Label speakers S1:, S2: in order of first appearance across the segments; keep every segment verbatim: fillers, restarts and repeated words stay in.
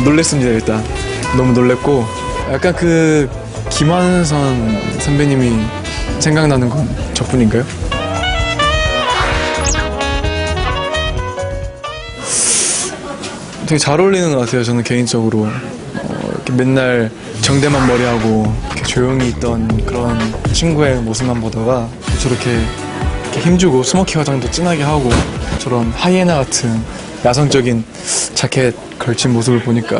S1: 놀랬습니다. 일단 너무 놀랬고 약간 그 김한선 선배님이 생각나는 건 저뿐인가요? 되게 잘 어울리는 것 같아요. 저는 개인적으로 어, 이렇게 맨날 정대만 머리하고 이렇게 조용히 있던 그런 친구의 모습만 보다가 저렇게 이렇게 힘주고 스모키 화장도 진하게 하고 저런 하이에나 같은 야성적인 자켓 걸친 모습을 보니까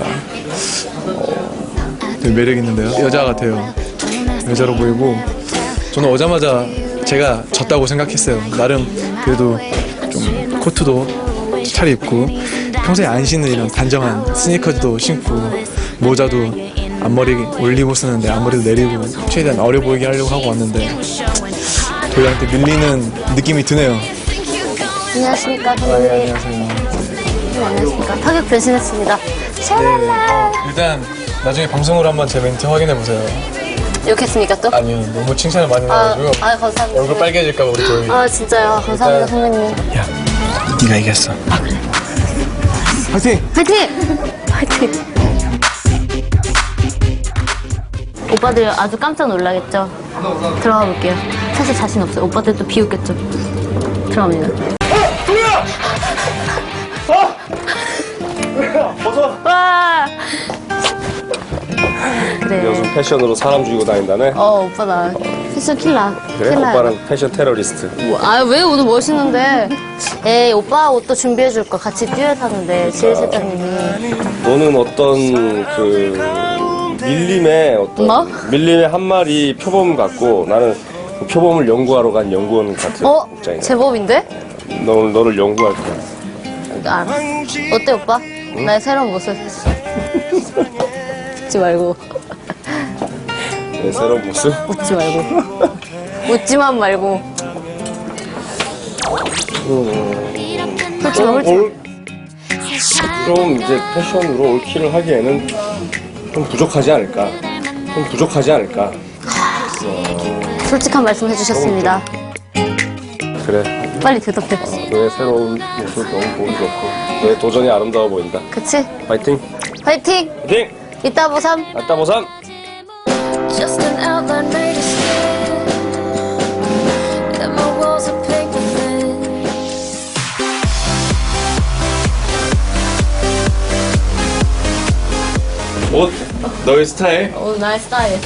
S1: 어, 되게 매력 있는데요. 여자 같아요. 여자로 보이고 저는 오자마자 제가 졌다고 생각했어요. 나름 그래도 좀 코트도 잘 입고 평소에 안 신는 이런 단정한 스니커즈도 신고 모자도 앞머리 올리고 쓰는데 앞머리도 내리고 최대한 어려 보이게 하려고 하고 왔는데 도희한테 밀리는 느낌이 드네요.
S2: 안녕하십니까,
S1: 네,
S2: 선배님.
S1: 안녕하세요.
S2: 네, 안녕하십니까. 타격 변신했습니다. 샤랄라.
S1: 네, 일단 나중에 방송으로 한번 제 멘트 확인해 보세요.
S2: 욕했습니까 또?
S1: 아니 너무 칭찬을 많이
S2: 아,
S1: 해가지고
S2: 아, 감사합니다.
S1: 얼굴 빨개질까 봐 우리 도희.
S2: 아, 진짜요. 감사합니다, 선배님.
S1: 야, 네가 이겼어.
S2: 아, 그래.
S1: 화이팅!
S2: 파이팅! 파이팅! 오빠들 아주 깜짝 놀라겠죠? 들어가 볼게요. 사실 자신 없어요. 오빠들 또 비웃겠죠? 들어갑니다.
S3: 도희야! 어? 도희야, 벗어!
S2: 와! 그래.
S3: 요즘 패션으로 사람 죽이고 다닌다네?
S2: 어, 오빠 나 패션 킬러.
S3: 그래?
S2: 킬러야.
S3: 오빠는 패션 테러리스트.
S2: 아, 왜 오늘 멋있는데? 에이, 오빠 옷도 준비해줄 거. 같이 듀엣 하는데, 지혜 실장님이.
S3: 너는 어떤 그 밀림의 어떤
S2: 뭐?
S3: 밀림의 한 마리 표범 같고 나는 그 표범을 연구하러 간 연구원 같은
S2: 어?
S3: 입장이야.
S2: 제법인데?
S3: 너, 너를 연구할 거야.
S2: 아, 어때, 오빠? 나의 새로운 모습. 웃지 말고.
S3: 내 새로운 모습?
S2: 웃지 말고. 웃지만 말고. 그렇지 마, 그렇지 마.
S3: 올, 그럼 이제 패션으로 올킬을 하기에는 좀 부족하지 않을까? 좀 부족하지 않을까?
S2: 솔직한 말씀 해주셨습니다.
S3: 그래.
S2: 빨리 대답해.
S3: 너의 새로운 모습 너무 보기 좋고 너의 도전이 아름다워 보인다.
S2: 그치?
S3: 파이팅!
S2: 화이팅!
S3: 파이팅!
S2: 이따 보삼.
S3: 아따 보삼!
S4: Just an outline made of skin, and my walls are paper thin.
S1: 옷 너의 스타일?
S2: 오, 나의 스타일.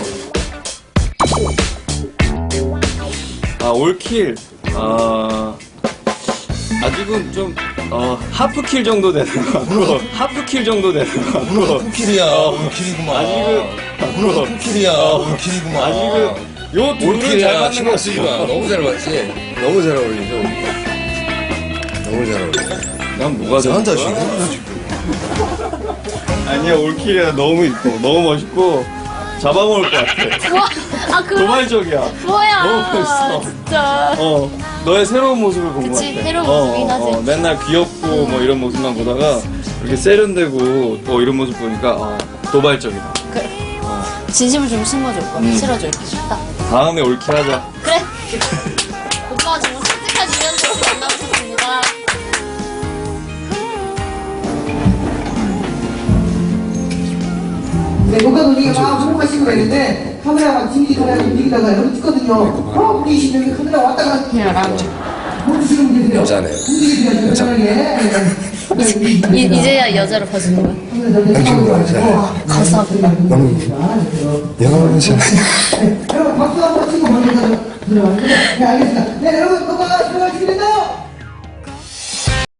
S5: 아, 올킬. 아, 아직은 좀, 어, 하프킬 정도 되는 것 같고, 하프킬 정도 되는 것 같고.
S6: 하프킬이야. 올킬이구만.
S5: 아직은,
S6: 하프킬이야. 올킬이구만.
S5: 아직은, 요 둘을 잘
S6: 올킬이야.
S5: 맞는
S6: 신경
S5: 것
S6: 쓰지
S5: 같아요.
S6: 마. 너무 잘 맞지? 너무 잘 어울리죠? 너무 잘 어울려.
S5: 난 뭐가 돼?
S6: 한다, 지금?
S5: 아니야, 올킬이야. 너무 이뻐. 너무 멋있고, 잡아먹을 것 같아.
S2: 뭐? 아, 그
S5: 도발적이야.
S2: 뭐야?
S5: 너무 멋있어.
S2: 진짜.
S5: 어, 너의 새로운 모습을 본 것 같아.
S2: 그치, 새로운
S5: 어,
S2: 모습이긴
S5: 어,
S2: 하지.
S5: 어, 맨날 귀엽고 뭐 이런 모습만 보다가 이렇게 세련되고 또 이런 모습 보니까 어, 도발적이다.
S2: 진심을 좀 심어줘, 오빠. 실어줘, 이렇게. 딱.
S5: 다음에 올킬 하자.
S2: 그래. 오빠가 정말 솔직한 유연자로 만나보셨습니다.
S7: 네, 뭔가 놀리가 막 궁금하신 거 있는데 카메라가 튕기기 카메라 움직이다가 여기 찍거든요. 어, 움직이시면 카메라 왔다 갔다 멈추시는 분이 계세요.
S6: 여자네.
S7: 움직이세요. 편하게.
S2: 이, 이제야 여자로 봐주는 거야.
S6: 당신도 여자야.
S2: 감사합니다.
S6: 영어는 여자.
S7: 여러분 박수 한번 치고 먼저 들어가는데 네, 알겠습니다. 네, 여러분, 뭐가 들어가시게 된다.